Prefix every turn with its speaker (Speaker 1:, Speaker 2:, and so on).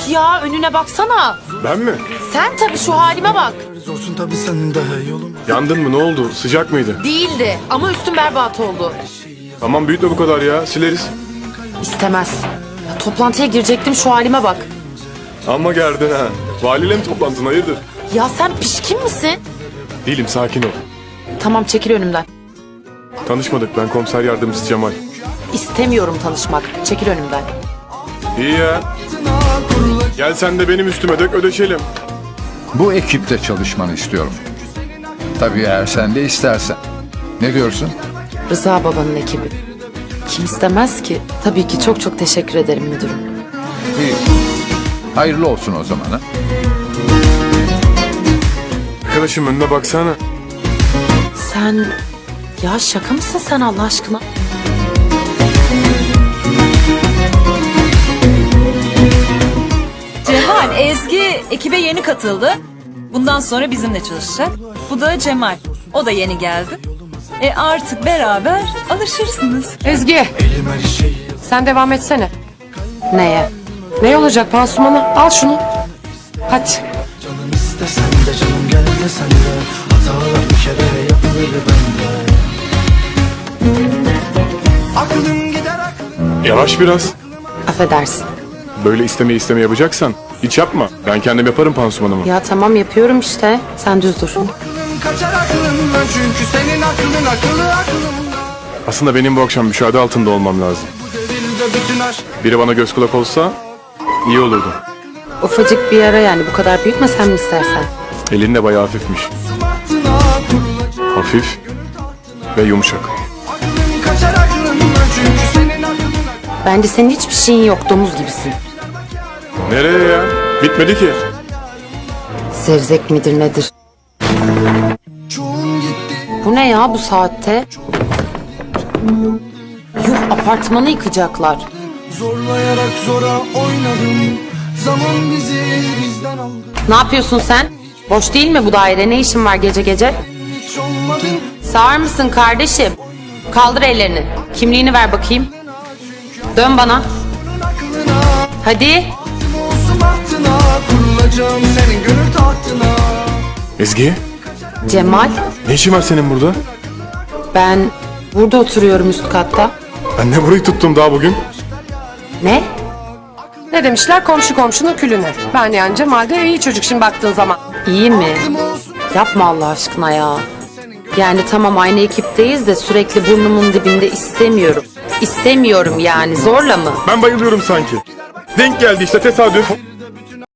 Speaker 1: ya, önüne baksana.
Speaker 2: Ben mi?
Speaker 1: Sen tabii, şu halime bak.
Speaker 3: Zorsun tabii sen daha yolum.
Speaker 2: Yandın mı, ne oldu? Sıcak mıydı?
Speaker 1: Değildi ama üstüm berbat oldu.
Speaker 2: Tamam büyütme bu kadar ya, sileriz.
Speaker 1: İstemez. Ya, toplantıya girecektim, şu halime bak.
Speaker 2: Ama gerdin ha. Valiyle mi toplantın, hayırdır?
Speaker 1: Ya sen pişkin misin?
Speaker 2: Değilim, sakin ol.
Speaker 1: Tamam, çekil önümden.
Speaker 2: Tanışmadık, ben komiser yardımcısı Cemal.
Speaker 1: İstemiyorum tanışmak. Çekil önümden.
Speaker 2: İyi ya. Gel sen de benim üstüme dök, ödeşelim.
Speaker 4: Bu ekipte çalışmanı istiyorum. Tabii eğer sen de istersen. Ne diyorsun?
Speaker 1: Rıza babanın ekibi. Kim istemez ki? Tabii ki, çok çok teşekkür ederim müdürüm.
Speaker 4: İyi. Hayırlı olsun o zaman ha.
Speaker 2: Arkadaşım önüne baksana.
Speaker 1: Sen... Ya şaka mısın sen Allah aşkına?
Speaker 5: Cemal, Ezgi ekibe yeni katıldı. Bundan sonra bizimle çalışacak. Bu da Cemal. O da yeni geldi. Artık beraber alışırsınız.
Speaker 6: Ezgi, sen devam etsene.
Speaker 1: Neye?
Speaker 6: Ne olacak pansumana? Al şunu. Hadi.
Speaker 3: Canım istesen de canım gel desen de hatalar bir kere yapılır bende. Aklım gider aklım.
Speaker 2: Yavaş biraz.
Speaker 1: Affedersin.
Speaker 2: Böyle isteme yapacaksan hiç yapma. Ben kendim yaparım pansumanımı.
Speaker 1: Ya tamam, yapıyorum işte. Sen düz dur.
Speaker 3: Aklım kaçar aklımdan çünkü senin aklın akıllı aklımda.
Speaker 2: Aslında benim bu akşam müşahede altında olmam lazım.
Speaker 3: Bu devirde bütün aşk
Speaker 2: Biri bana göz kulak olsa iyi olurdu.
Speaker 1: Ufacık bir yara yani, bu kadar büyütmesen mi istersen?
Speaker 2: Elin de bayağı hafifmiş.
Speaker 3: bahtına kurulacak.
Speaker 2: Hafif ve yumuşak.
Speaker 3: Aklım kaçar aklımdan çünkü senin aklın akıllı.
Speaker 1: Bence senin hiçbir şeyin yok, domuz gibisin.
Speaker 2: Nereye ya? Bitmedi ki.
Speaker 1: Zevzek midir nedir?
Speaker 3: Çoğun gitti
Speaker 1: Bu ne ya bu saatte? Yuh, apartmanı yıkacaklar.
Speaker 3: zorlayarak zora oynadım. Zaman bizi bizden aldı.
Speaker 1: Ne yapıyorsun sen? Boş değil mi bu daire? Ne işin var gece gece?
Speaker 3: Hiç olmadın.
Speaker 1: Sağır mısın kardeşim? Kaldır ellerini. Kimliğini ver bakayım. Dön bana.
Speaker 3: Aklına
Speaker 1: Hadi.
Speaker 3: olsun bahtına kurulacağım senin gönül tahtına.
Speaker 2: Ezgi,
Speaker 1: Cemal,
Speaker 2: ne işin var senin burada?
Speaker 1: ben burada oturuyorum üst katta.
Speaker 2: Ben ne burayı tuttum daha bugün?
Speaker 1: Ne?
Speaker 6: Ne demişler? Komşu komşunun külüne. Ben yani Cemal de iyi çocuk şimdi baktığın zaman.
Speaker 1: İyi mi? Yapma Allah aşkına ya. Yani tamam, aynı ekipteyiz de sürekli burnumun dibinde istemiyorum. İstemiyorum yani, zorla mı?
Speaker 2: Ben bayılıyorum sanki. Denk geldi işte, tesadüf.